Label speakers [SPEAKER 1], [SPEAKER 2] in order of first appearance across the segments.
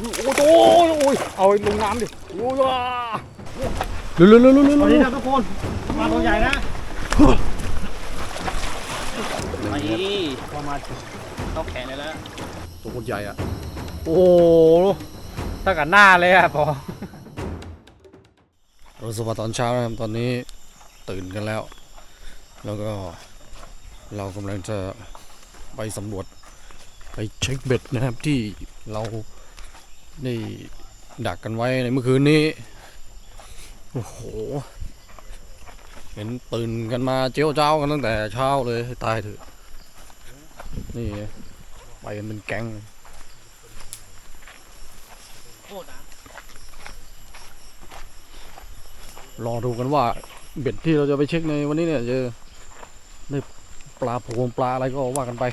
[SPEAKER 1] โอ้ยเอาลงน้ำดิโอ้ยเร็ว
[SPEAKER 2] ตอนนี้นะทุกคนมาตัวใหญ่นะมาอีพอมาเข้าแขนเลยแล้ว
[SPEAKER 1] ตัวคนใหญ่อ่ะ
[SPEAKER 2] โอ้ตั้งแต่หน้าเลยอ่ะพอ
[SPEAKER 1] เราสวัสดีตอนเช้านะครับตอนนี้ตื่นกันแล้วแล้วก็เรากำลังจะไปสำรวจไปเช็คเบ็ดนะครับที่เราได้ดักกันไว้ในเมื่อคืนนี้โอ้โหเห็นตื่นกันมาเจ้าเจ้ากันตั้งแต่เช้าเลยให้ตายเถอะนี่ไปกันเป็นแก๊งรอดูกันว่าเบ็ดที่เราจะไปเช็คในวันนี้เนี่ยจะได้ปลาโพงปลาอะไรก็ว่ากันไป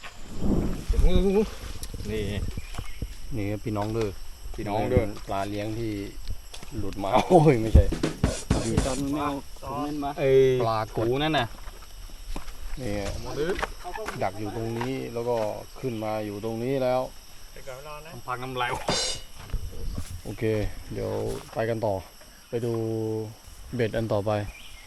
[SPEAKER 1] นี่พี่น้องเด้อปลาเลี้ยงที่หลุดมาโอ้ยไม่ใช่
[SPEAKER 2] ตอนไม่เอา
[SPEAKER 1] ปลากูนั่นน่ะนี่ดักอยู่ตรงนี้แล้วก็ขึ้นมาอยู่ตรงนี้แล้ว
[SPEAKER 2] พักน้ำลาย
[SPEAKER 1] โอเคเดี๋ยวไปกันต่อไปดูเบ็ดอันต่อไป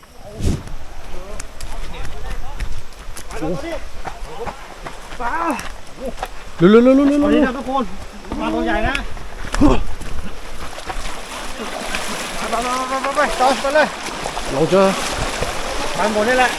[SPEAKER 2] ปลา
[SPEAKER 1] เร็วต
[SPEAKER 2] อนนี้นะทุกคนมาตัวใหญ่นะไปต่อไปเลย
[SPEAKER 1] เราจะ
[SPEAKER 2] ไปหมดนี่แหละ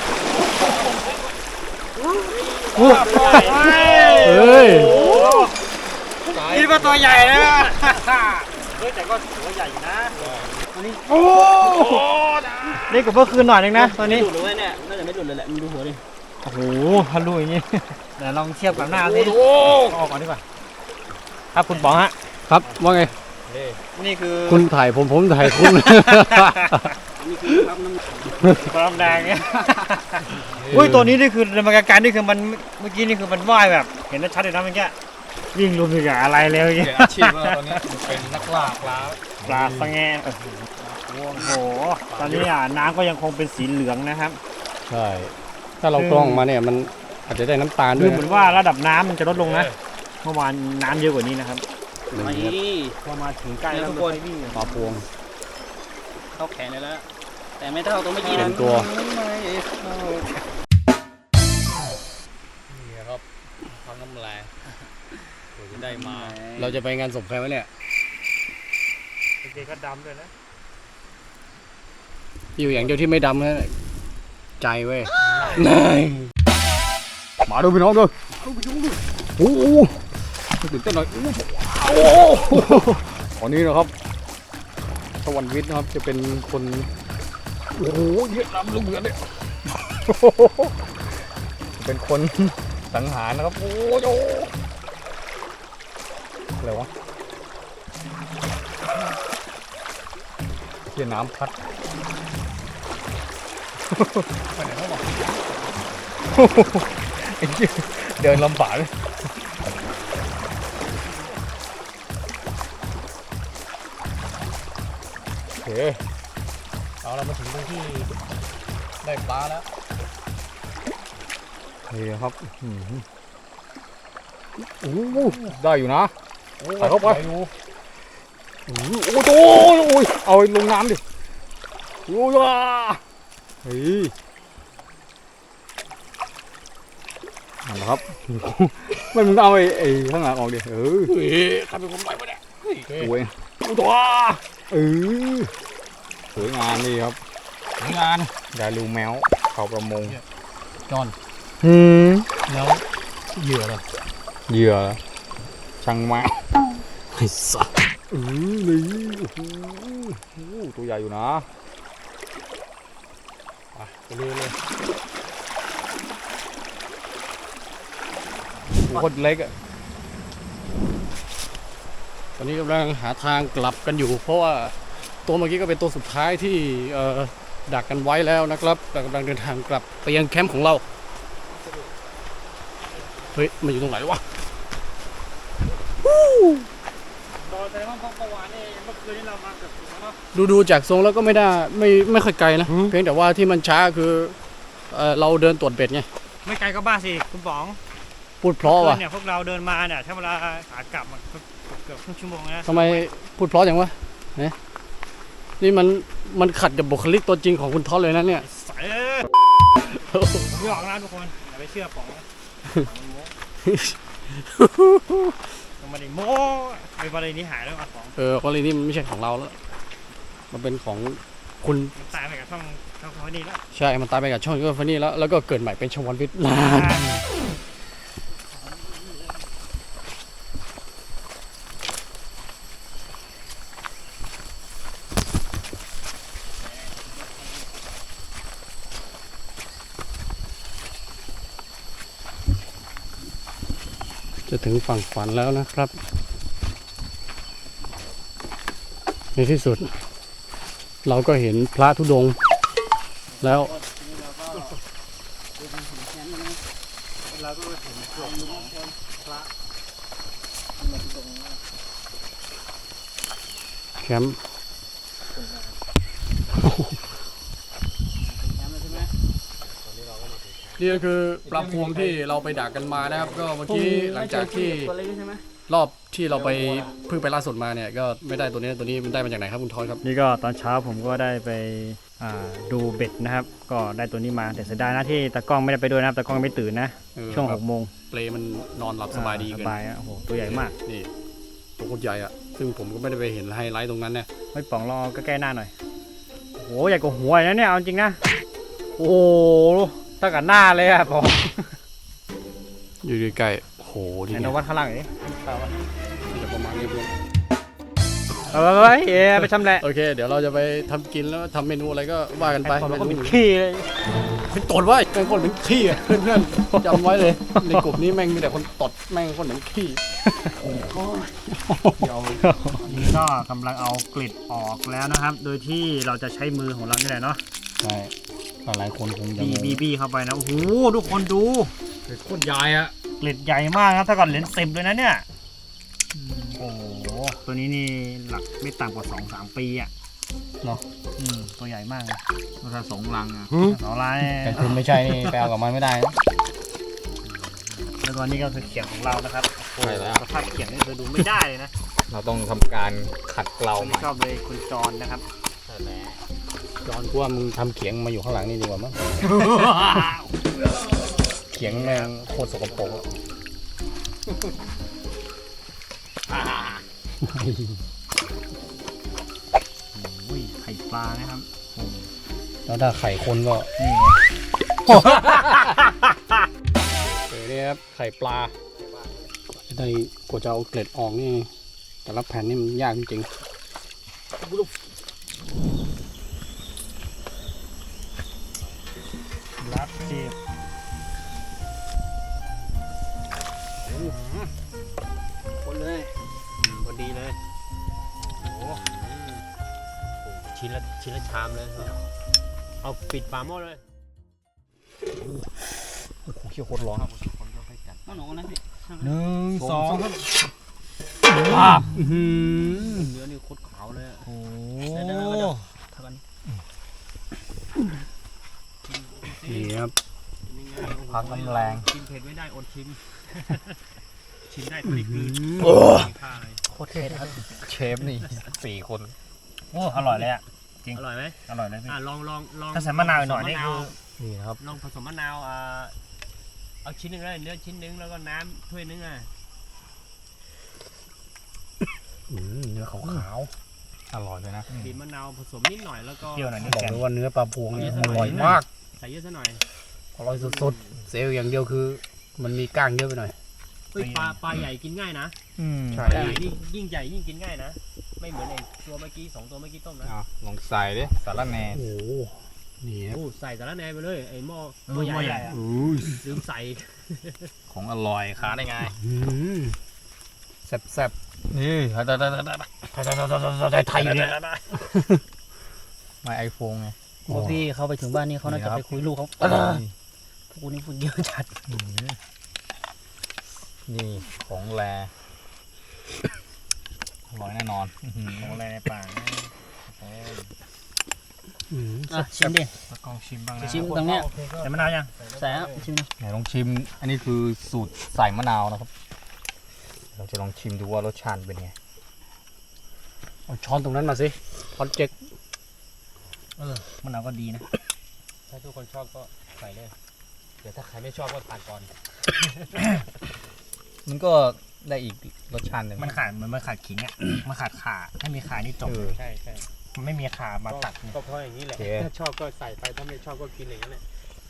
[SPEAKER 1] เฮ้ย
[SPEAKER 2] นี่ก็ตัวใหญ่นะแต่ก็ถือว่าใหญ่นะอันนี้โอ้นี่กับเมื่อคืนหน่อยนึงนะตอนนี้หลุดเลยเนี่ยน่าจะไม่หลุดเลยแหละมึงดูหัวดิโอ้โหฮัลโหลอย่างนี้เดี๋ยวลองเทียบกับหน้าสิออกก่อนดีกว่าครับคุณป๋องฮะ
[SPEAKER 1] ครับว่าไง
[SPEAKER 2] นี่คือ
[SPEAKER 1] คุณถ่ายผมถ่ายคุณนี่
[SPEAKER 2] คือความแดงเนี่ยอุ้ยตัวนี้นี่คือในบรรยากาศนี่คือมันเมื่อกี้นี่คือมันว่ายแบบเห็นชัดเลยนะเมื่อกี้วิ่งรวมถึงอะไรเลยเ
[SPEAKER 1] นี่ยอาชีพว่าตอนนี้เป็นนักล่า
[SPEAKER 2] ปลาสแงนโอ้โหตอนนี้น้ำก็ยังคงเป็นสีเหลืองนะครับ
[SPEAKER 1] ใช่ถ้าเรากล้องมาเนี่ยมันอาจจะได้น้ำตาลด้วย
[SPEAKER 2] เหมือนว่าระดับน้ำมันจะลดลงนะเมื่อวานน้ำเยอะกว่านี้นะครับพอมาถึงใกล้แล้วทุกคน
[SPEAKER 1] ปลาพวง
[SPEAKER 2] เข้าแขนเลยแล้วแต่ไม่เท่าตัวเมื่อกี้
[SPEAKER 1] นะเป็นตัวนี่ครับพังน้ำลายตัวจะได้มาเราจะไปงานศพใครวะเนี่ย
[SPEAKER 2] เด็กก็ดำด้วยนะ
[SPEAKER 1] อยู่อย่างเดียวที่ไม่ดำนะใจเว้ยนายมาดูพี่น้องด้วยโอ้โหตื่นเต้นหน่อยโอ้ตอนนี้นะครับสวรรค์วิทย์นะครับจะเป็นคนโอ้โหเยอะน้ำลูกเรือเนี่ยเป็นคนสังหารนะครับโอ้โหอะไรวะเกี่ยน้ำพัดเดินลำบากเลยโอเคเรามาถึงตรงที่ได้ปลาแล้วนี่ครับโอ้ได้อยู่นะใส่เข้าไปโอ้ยเอาลงน้ำดิโอ้ยเฮ้ยนะครับมันมึงเอาไอ้ข้างหลังออกดิเฮ้ยใครเป็นคนไปวะเนี่ยโอ้ยตัวสวยงามนี่ครับสวยงามได้ลูแมวเขาประมงจอนแล้วเหยื่อเหรอเหยื่อช่างมาไอ้สัสนี่โอ้โหตัวใหญ่อยู่นะไปเลยโคตรเล็กอ่ะตอนนี้กำลังหาทางกลับกันอยู่เพราะว่าตัวเมื่อกี้ก็เป็นตัวสุดท้ายที่ดักกันไว้แล้วนะครับกำลังเดินทางกลับไปยังแคมป์ของเราเฮ้ยมันอยู่ตรงไหนวะดูจากทรงแล้วก็ไม่ได้ไม่ค่อยไกลนะเพียงแต่ว่าที่มันช้าคือเราเดินตรวจเบ็ดไง
[SPEAKER 2] ไม่ไกลก็บ้าสิคุณป๋อง
[SPEAKER 1] พูดเพราะว่ะ
[SPEAKER 2] เนี่ยพวกเราเดินมาเนี่ยถ้าเวลาขากลับมันเกืกือบครึ่งชั่วโมงนะ
[SPEAKER 1] ทำไมพูดเพราะอย่างวะเนี่ยนี่มันขัดกับบุคลิกตัวจริงของคุณท็อปเลยนะเนี่ย
[SPEAKER 2] ใส่ไม่ออกนะทุกคนอย่าไปเชื่อป๋องนะมันไม่ได้โม้ไอ้ประเด็นนี้หายแล้วอ่ะของ
[SPEAKER 1] กรณีนี้มันไม่ใช่ของเราแล้ว มันเป็นของคุณ
[SPEAKER 2] มันตายไปกับช่องเขานี่แล้ว
[SPEAKER 1] ใช่ มันตายไปกับช่องยูฟันนี่แล้วก็เกิดใหม่เป็นชวันวิทย์จะถึงฝั่งฝันแล้วนะครับ ในที่สุด เราก็เห็นพระธุดงค์แล้ว
[SPEAKER 2] เราก็เห็นกลุ่มของพระ
[SPEAKER 1] แคมป์นี่ก็คือปลาพวงที่เราไปดักกันมานะครับ ก็เมื่อกี้หลังจากที่รอบที่เราไปเพิ่งไปล่าสุดมาเนี่ยก็ไม่ได้ตัวนี้มันได้มาจากไหนครับคุณทอยครับ
[SPEAKER 2] นี่ก็ตอนเช้าผมก็ได้ไปดูเบ็ดนะครับ ก็ได้ตัวนี้มาแต่เสียดายนะที่ตากล้องไม่ได้ไปด้วยนะครับตากล้องไม่ตื่นนะช่วง6 โมง
[SPEAKER 1] เปลมันนอนหลับสบายดี
[SPEAKER 2] ส
[SPEAKER 1] เกิน
[SPEAKER 2] บายอ่ะโอ้โหตัวใหญ่มาก
[SPEAKER 1] นี่ตัวโคตรใหญ่อะซึ่งผมก็ไม่ได้ไปเห็นไฮไลท์ตรงนั้นเนี่ย
[SPEAKER 2] ไม่ป๋องรอก็แก้หน้าหน่อยโอ้โหใหญ่กว่าหัวนะเนี่ยเอาจริงนะโอ้โหตั้งกับหน้าเลยอ่ะป๋อง
[SPEAKER 1] อยู่ใกล้ๆโอ้โหนี่
[SPEAKER 2] ไหน
[SPEAKER 1] ไง
[SPEAKER 2] วัดข้างล่างหน่อยดิ
[SPEAKER 1] จะประมาณนี้เพื่อน
[SPEAKER 2] เฮ้ยไปชำแหละ
[SPEAKER 1] โอเค เดี๋ยวเราจะไปทำกินแล้วทำเมนูอะไรก็ว่ากันไป
[SPEAKER 2] ไอ้ป๋องเราก็เป็นขี้เลย
[SPEAKER 1] เป็นตดว่าแม่งคนเหมือนขี้อะเพื่อนๆจำไว้เลยในกลุ่มนี้แม่งมีแต่คนตดแม่งคนเหมือนขี้
[SPEAKER 2] นี่ก็กำลังเอากลิดออกแล้วนะครับ โดยที่เราจะใช้มือของเรานี่แหละเนาะ
[SPEAKER 1] ใช่หลายคนคงจะ
[SPEAKER 2] บีเข้าไปนะโอ้โหทุกคนดู
[SPEAKER 1] โคตรใหญ่อะ
[SPEAKER 2] เกล็ดใหญ่มากครับถ้าก่อนเหรียญ10เลยนะเนี่ยโอ้โหตัวนี้นี่หลักไม่ต่ำกว่า 2-3 ปีอ่ะเนาะตัวใหญ่มากเลย
[SPEAKER 3] ถ้า2 ลังอ่ะ
[SPEAKER 2] 2 ลาย
[SPEAKER 1] แต่คุณไม่ใช่นี่ไปเอากับมันไม่ได้นะ
[SPEAKER 2] แล้วก็นี่ก็คือเขียงของเรานะครับโอ้โหสภาพเขียงนี่เธอดูไม่ได้เลยนะ
[SPEAKER 3] เราต้องทำการขัดเกลาใหม่
[SPEAKER 2] ชอบเลยคุณจรนะครับ
[SPEAKER 1] จอนกูว่ามึงทำเขียงมาอยู่ข้างหลังนี่ดีกว่ามั้งเขียงแม่งโคตรสกปรกอะ
[SPEAKER 2] อุ้ยไข่ปลานะครับ
[SPEAKER 1] แล้วถ้าไข่คนก็
[SPEAKER 2] นี่
[SPEAKER 1] นี่ครับไข่ปลาจะได้กว่าจะเอาเกล็ดออกนี่แต่ละแผ่นนี่มันยากจริง
[SPEAKER 2] รับจีบคนเลยพอดีเลยโอ้โห
[SPEAKER 3] ชิ้นละชามเลยเอาปิดฝาหม้อเลย
[SPEAKER 1] โอ้โหเขี้ยวโคตรร้อน
[SPEAKER 2] หนูนะพี่
[SPEAKER 3] 1 2
[SPEAKER 2] เนื้อนี่โคตรขาวเลย
[SPEAKER 3] โอ้
[SPEAKER 1] นี่ครับ
[SPEAKER 3] พักน้ำแรง
[SPEAKER 2] ชิมเผ็ดไม่ได้อดชิม ชิมได้ตัวนี้คือผ้าอะไร
[SPEAKER 3] โคตรเท่ครับเชฟนี่4 คน
[SPEAKER 2] โอ้อร่อยเลยอ่ะ
[SPEAKER 4] อร่อยไหม
[SPEAKER 2] อร่อยเลยพี่
[SPEAKER 4] ลอง
[SPEAKER 2] ถ้าใส่มะนาวหน่อยนี่คือ
[SPEAKER 3] นี่นะครับ
[SPEAKER 4] ลองผสมมะนาวเอาชิ้นหนึ่งเลยเนื้อชิ้นหนึ่งแล้วก็น้ำถ้วยหนึงอ่ะ
[SPEAKER 1] เนื้อขาว
[SPEAKER 3] อร่อยเลยนะ
[SPEAKER 4] บีบมะนาวผสมนิดหน่อยแล้วก็
[SPEAKER 2] เปรี้ยวหน่อย
[SPEAKER 1] ๆ
[SPEAKER 2] นี่
[SPEAKER 1] บอก
[SPEAKER 2] แก
[SPEAKER 1] เลยว่าเนื้อปลาพวงเนี่ย
[SPEAKER 4] เย
[SPEAKER 1] อ
[SPEAKER 4] อะ
[SPEAKER 1] ร่อย
[SPEAKER 4] หน่อย
[SPEAKER 1] มาก
[SPEAKER 4] ใส่เยอะซะหน่อย
[SPEAKER 1] อร่อยสุดๆเซลล์อย่างเดียวคือ มันมีก้างเยอะไปหน่อย
[SPEAKER 4] เฮ้ยปลาใหญ่กินง่ายนะ
[SPEAKER 1] ใช่
[SPEAKER 4] ปลาใหญ่นี่ยิ่งใหญ่ยิ่งกินง่ายนะ ไม่เหมือนไอ้ตัวเมื่อกี้2 ตัวเมื่อกี้ต้มนะ
[SPEAKER 3] ลองใส่ดิสาระแหน่
[SPEAKER 1] โอ้โหนี่ครับ
[SPEAKER 4] โอ้ใส่สาระแหน่ไปเลยไอ้หม้อ
[SPEAKER 2] หม้อใหญ่อะ
[SPEAKER 4] ลืมใส่
[SPEAKER 3] ของอร่อยขาได้ไง
[SPEAKER 1] แซ่บ
[SPEAKER 3] นี่
[SPEAKER 1] ๆไทยอยู่เนี่ย
[SPEAKER 3] ไม่ไอโฟนไง
[SPEAKER 1] พวกที่เขาไปถึงบ้านนี่เขาน่าจะไปคุยลูกเขาพวกนี้พูดเยอะจัด
[SPEAKER 3] นี่ของแรอร่อยแน่นอน
[SPEAKER 2] ของอะไรในป่า
[SPEAKER 1] ชิมดิ
[SPEAKER 3] ตะกล้องชิมบ้างนะ
[SPEAKER 1] ชิมตรงเนี้ย
[SPEAKER 2] ใส่มะนาวยัง
[SPEAKER 1] ใส่ชิมดิ
[SPEAKER 3] ไหนลองชิม อันนี้คือสูตรใส่มะนาวนะครับ เราจะลองชิมดูว่ารสชาติเป็นไง
[SPEAKER 1] เอาช้อนตรงนั้นมาสิช้อนเจ๊ก
[SPEAKER 2] มะนาวก็ดีนะ
[SPEAKER 3] ถ้าทุกคนชอบก็ใส่เลยเดี๋ยวถ้าใครไม่ชอบก็ตัดก่อน
[SPEAKER 1] มันก็ได้อีกรสชาติหนึ่ง
[SPEAKER 2] มันขาดเหมือนมันขาดขิงอ่ะ มันขาดข่าถ้ามีข่านี่จบ
[SPEAKER 3] ใช่ใช่
[SPEAKER 2] มันไม่มีข่ามาตัด
[SPEAKER 3] ก็เพราะอย่างนี้แหละถ้าชอบก็ใส่ไปถ้าไม่ชอบก็กินอย่างนั้นแหละ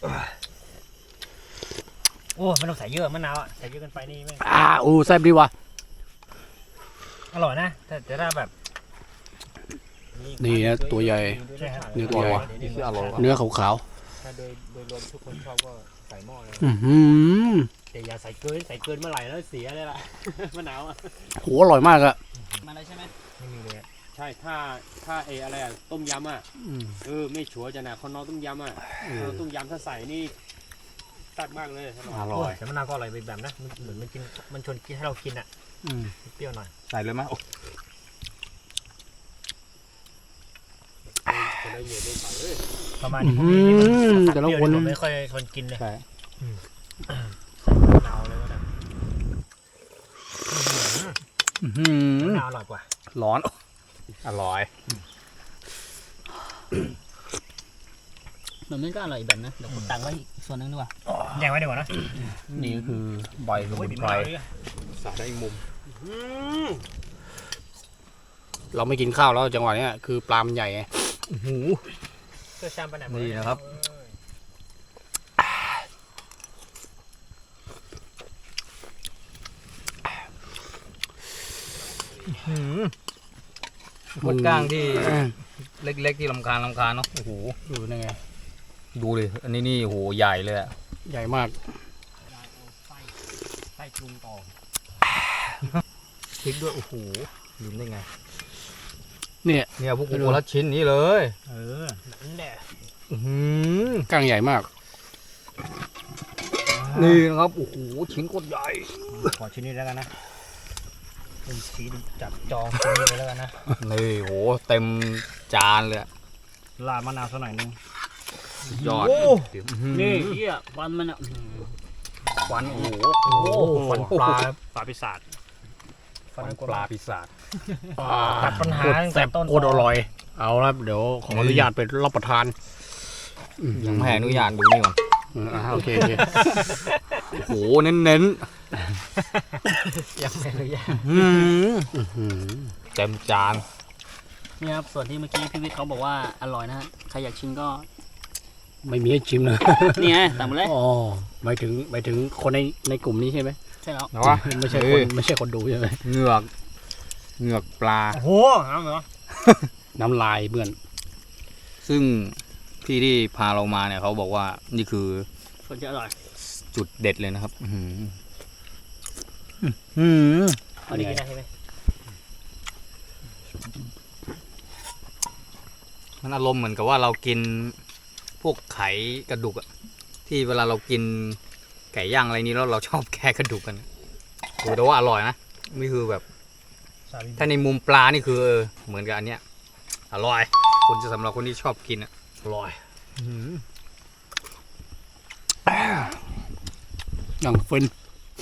[SPEAKER 2] โอ้ไม่ต้องใส่เยอะมะนาวอ่ะใส่เยอะเกินไปนี่ไม่
[SPEAKER 1] แซ่บดีว่ะ
[SPEAKER 2] อร่อยนะแต่ถ้าแบบ
[SPEAKER 1] นี่นะตัวใหญ่
[SPEAKER 2] ใช่ครับ
[SPEAKER 1] เนื้อตัวใหญ่
[SPEAKER 3] นี่คืออร่อย
[SPEAKER 1] เนื้อขาว
[SPEAKER 3] ถ้าโดยรวมทุกคนชอบก็ใส่หม้อเลย
[SPEAKER 1] ๆอื้อหือ
[SPEAKER 3] แต่อย่าใส่เกินเมื่อไหร่แล้วเสียเลยล่ะ มะนาวอ่ะ
[SPEAKER 1] โหอร่อยมากอะ
[SPEAKER 2] มาเลยใช่ไหมไม่มีเลย
[SPEAKER 3] ใช่ถ้าอะไรอ่ะต้มยำอ่ะไม่ชัวร์จะนะคนน้องต้มยำอ่ะต้มยำถ้าใส่นี่ตัดมากเลยอร่อย
[SPEAKER 2] แต่มะนาวก็อร่อยไปแบบนะมันเหมือนมันกินมันชวนกินให้เรากินอ่ะเปรี้ยวหน่อย
[SPEAKER 1] ใส่เลยมั้ย
[SPEAKER 3] จะได้เหยียดได้ใส่เลย
[SPEAKER 2] ประมาณนี้
[SPEAKER 1] แต่ละคน
[SPEAKER 2] ผมไม่ค่อยชวนกินเลย
[SPEAKER 1] ใช่
[SPEAKER 2] มะนาวเลยก็ได้
[SPEAKER 1] อื้อหือ
[SPEAKER 2] มะนาวอร่อยกว่า
[SPEAKER 1] ร้อนอร่อย
[SPEAKER 5] มันไม่ก็อร่อยอีกแบบนะ เดี๋ยวผมตักไว้อีกส่วนนึงดีกว่า
[SPEAKER 2] แยกไว้ดีกว่านะ
[SPEAKER 1] นี่คือใบสมุนไพร
[SPEAKER 3] ใส่ได้อีกมุม
[SPEAKER 1] เราไม่กินข้าวแล้วจังหวะเนี้ยคือปลามันใหญ่ไง
[SPEAKER 2] เสื้อชามไปไหน
[SPEAKER 1] นี่นะครับ
[SPEAKER 6] มดก้างที่เล็กๆที่ลำคาญเนาะ
[SPEAKER 1] โอ้โหดูนั่นไง
[SPEAKER 6] ดูดิอันนี้นี่โหใหญ่เลยอะ
[SPEAKER 1] ใหญ่มาก
[SPEAKER 2] ใส่ปรุงต่อ
[SPEAKER 6] พริกด้วยโอ้โหลืมได้ไง
[SPEAKER 1] เนี่ย
[SPEAKER 6] เนี่ยพวกกูคนละชิ้นนี้เลย
[SPEAKER 2] นั่นแหละ
[SPEAKER 6] อื้อหือ
[SPEAKER 1] ก้างใหญ่มาก
[SPEAKER 6] นี่นะครับโอ้โหชิ้นโคตรใหญ่
[SPEAKER 2] ขอชิ้นนี้แล้วกันนะเป็นสีจับจองชิ้นนี้ไปแล้วกันนะ
[SPEAKER 6] นี่โหเต็มจานเลยอะ
[SPEAKER 2] ลาดมะนาวสักหน่อยนึง
[SPEAKER 6] สุดยอด
[SPEAKER 5] นี่เหี้ยฟันมันอ่ะ
[SPEAKER 6] ฟันโอ้โห
[SPEAKER 2] โอ้ฟันปลา
[SPEAKER 3] ปลาปีศาจ
[SPEAKER 6] ฟันปลาปีศาจ
[SPEAKER 2] ตัดปัญหาตั้ง
[SPEAKER 1] แซ่
[SPEAKER 2] แต่
[SPEAKER 1] บ
[SPEAKER 2] ต้น
[SPEAKER 1] โคตรอร่อย เอาละเดี๋ยวขออนุญาตไปรับประทาน
[SPEAKER 6] ยังไม่ให้อนุญาตดูนี่ก่อน
[SPEAKER 1] โอเค
[SPEAKER 6] โอ้โหเน้น
[SPEAKER 2] ยังไม่อนุญาต
[SPEAKER 6] ๆอื้อหือเต็มจาน
[SPEAKER 5] นี่ครับส่วนที่เมื่อกี้พี่วิทย์เขาบอกว่าอร่อยนะฮะใครอยากชิมก็
[SPEAKER 1] ไม่มีให้ชิมนะ
[SPEAKER 5] นี่ไงตักมาเลย
[SPEAKER 1] อ๋อหมายถึงคนในกลุ่มนี้ใช่ไหม
[SPEAKER 5] ใช่แล้ว
[SPEAKER 6] นะวะ
[SPEAKER 1] ไม่ใช่คนดูใช่ไหม
[SPEAKER 6] เหงือกปลา
[SPEAKER 2] โอ้โหน้ำเหรอ
[SPEAKER 1] น้ำลายเบื่อน
[SPEAKER 6] ซึ่งพี่ที่พาเรามาเนี่ยเขาบอกว่านี่คือ
[SPEAKER 5] ส่วนที่อร่อย
[SPEAKER 6] จุดเด็ดเลยนะครับอื้อหือ
[SPEAKER 2] เอาดีกินได้ใช่ไหม
[SPEAKER 6] มันอารมณ์เหมือนกับว่าเรากินพวกไขกระดูกอะที่เวลาเรากินไก่ย่างอะไรนี้แล้วเราชอบแค่กระดูกกันโอ้แต่ว่าอร่อยนะนี่คือแบบ ถ้าในมุมปลานี่คือเหมือนกับอันเนี้ยอร่อยคนจะสำหรับคนที่ชอบกินอะอร่อย
[SPEAKER 1] อย่างฟิน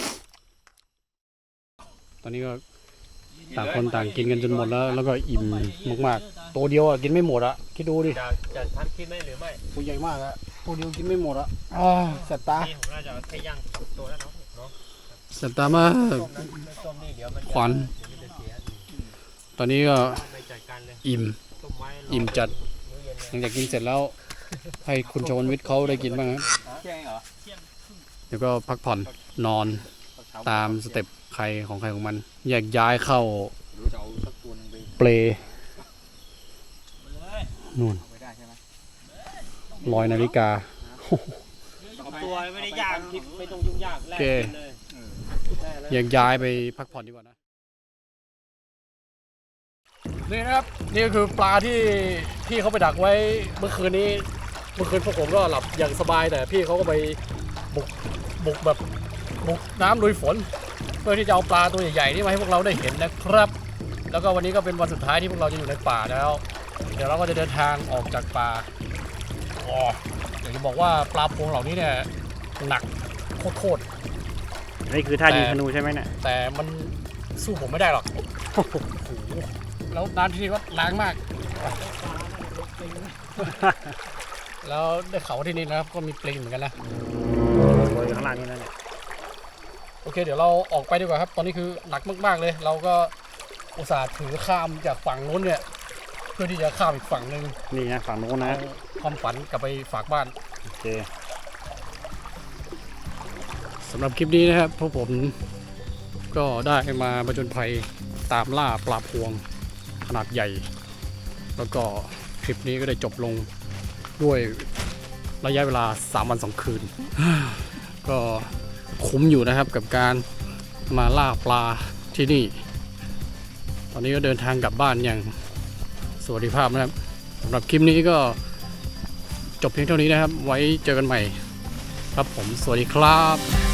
[SPEAKER 1] ตอนนี้ก็ต่างคนต่างกินกันจนหมดแล้วก็อิ่มมากๆตัวเดียวอ่ะกินไม่หมดอ่ะคิดดูดิ
[SPEAKER 3] จะทำคลิปไหมหรือไม่
[SPEAKER 1] ตัวใหญ่มากอ่ะตัวเดียวกินไม่หมดอ่ะแสบตา
[SPEAKER 2] นี่ผมน่าจะแค่ย่าง2ตัวแล้วเนาะ
[SPEAKER 1] แสบตามาก
[SPEAKER 3] ต้มนี่เดี๋ยวมัน
[SPEAKER 1] ขวัญ
[SPEAKER 3] จะเสีย
[SPEAKER 1] ตอนนี้ก็
[SPEAKER 3] ไม่จัดการเลย
[SPEAKER 1] อิ่ม
[SPEAKER 3] ต้มไว้
[SPEAKER 1] อิ่มจัด
[SPEAKER 3] มื้อเย็นเลย
[SPEAKER 1] หลังจากกินเสร็จแล้ว ให้คุณชวนวิทย์เขาได้กินบ้างครับเดี๋ยวก็พักผ่อนนอนตามสเต็ปใครของมัน แยกย้ายเข้าเปลนู่น100 นาฬิกา
[SPEAKER 3] ตัวไม่ได้ยากคลิปไม่ต้องยุ่งยากแลก
[SPEAKER 1] โอเค
[SPEAKER 3] กินเลย
[SPEAKER 1] แยกย้ายไปพักผ่อนดีกว่านะ นี่นะครับ นี่ก็คือปลาที่พี่เขาไปดักไว้เมื่อคืนนี้เมื่อคืนพวกผมก็หลับอย่างสบายแต่พี่เขาก็ไปบุกแบบบุกน้ำลุยฝน เพื่อที่จะเอาปลาตัวใหญ่ๆนี่มาให้พวกเราได้เห็นนะครับ แล้วก็วันนี้ก็เป็นวันสุดท้ายที่พวกเราจะอยู่ในป่าแล้ว เดี๋ยวเราก็จะเดินทางออกจากป่าอยากจะบอกว่าปลาพวงเหล่านี้เนี่ยหนักโคตร
[SPEAKER 2] นี่คือท่ายิงธนูใช่ไหมเนี่ย
[SPEAKER 1] แต่มันสู้ผมไม่ได้หรอก โอ้โหแล้วน้ำที่นี่ก็ล้างมาก แล้วได้ข่าวว่าที่นี่นะครับก็มีปลิงเหมือนกันนะ
[SPEAKER 2] โอยข้างล่างนี่นั่นแหละ
[SPEAKER 1] โอเคเดี๋ยวเราออกไปดีกว่าครับตอนนี้คือหนักมากๆเลย เราก็อุตส่าห์ถือข้ามจากฝั่งนู้นเนี่ยเพื่อที่จะข้ามอีกฝั่งหนึ่ง
[SPEAKER 2] นี่นะฝั่งโน้นนะ
[SPEAKER 1] เอาความฝันกลับไปฝากบ้าน
[SPEAKER 2] โอเค
[SPEAKER 1] สำหรับคลิปนี้นะครับพวกผมก็ได้มาผจญภัยตามล่าปลาพวงขนาดใหญ่ แล้วก็คลิปนี้ก็ได้จบลงด้วยระยะเวลา3 วัน 2 คืน ก็คุ้มอยู่นะครับกับการมาล่าปลาที่นี่ ตอนนี้ก็เดินทางกลับบ้านอย่างสวัสดิภาพนะครับสำหรับคลิปนี้ก็จบเพียงเท่านี้นะครับ ไว้เจอกันใหม่ครับผมสวัสดีครับ